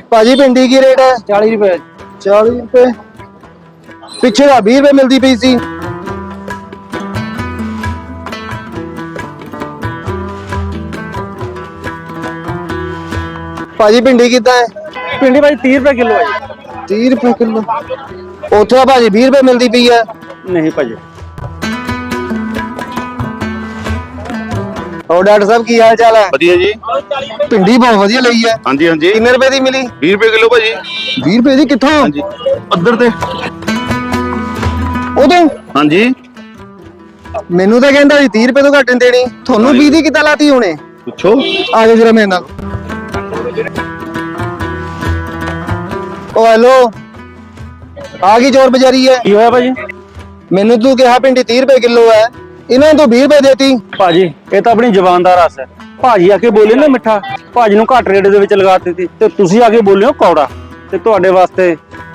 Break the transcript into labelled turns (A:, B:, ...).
A: ਭਾਜੀ भिंडी की रेट है?
B: 40 रुपए।
A: 40 रुपए। पिछे 20 रुपए मिलती पई सी। भाजी भिंडी कितना है?
B: भिंडी भाई 30 रुपए किलो है।
A: 30 रुपए किलो। उथे भाजी 20 रुपए मिलती पई है।
B: नहीं भाजी।
A: और डॉक्टर साहब की हाल चाल है?
C: ਵਧੀਆ ਜੀ।
A: भिंडी बहुत ਵਧੀਆ ਲਈ है।
C: ਹਾਂਜੀ ਹਾਂਜੀ।
A: कितने रुपए दी मिली?
C: 20 ਰੁਪਏ ਕਿਲੋ ਭਾਜੀ।
A: 20 रुपए दी कित्थों?
C: ਹਾਂਜੀ ਪੱਧਰ ਤੇ।
A: उदों
C: ਹਾਂਜੀ
A: ਮੈਨੂੰ ਤਾਂ ਕਹਿੰਦਾ ਸੀ 30 रुपए ਤੋਂ ਘੱਟ ਨਹੀਂ ਦੇਣੀ। ਤੁਹਾਨੂੰ 20 ਦੀ ਕਿੱਦਾਂ ਲਾਤੀ ਹੁਣੇ?
C: ਪੁੱਛੋ।
A: ਆ ਜਾਓ ਜਰਾ ਮੇਰੇ ਨਾਲ। ओ हेलो आ गई चोर बाजारी है।
B: ਕੀ ਹੋਇਆ ਭਾਜੀ?
A: मैनू तू कहा भिंडी 30 रुपए किलो है, इन्होंने तो 20 रुपए देती।
B: ਭਾਜੀ ਇਹ ਤਾਂ ਆਪਣੀ ਜ਼ੁਬਾਨ ਦਾ ਰਸ ਹੈ। ਭਾਜੀ ਆ ਕੇ ਬੋਲੇ ਨਾ ਮਿੱਠਾ, ਭਾਜੀ ਨੂੰ ਘੱਟ ਰੇਟ ਦੇ ਵਿੱਚ ਲਗਾ ਦਿੱਤੀ ਤੇ ਤੁਸੀਂ ਆ ਕੇ ਬੋਲਿਓ ਕੌੜਾ, ਤੇ ਤੁਹਾਡੇ ਵਾਸਤੇ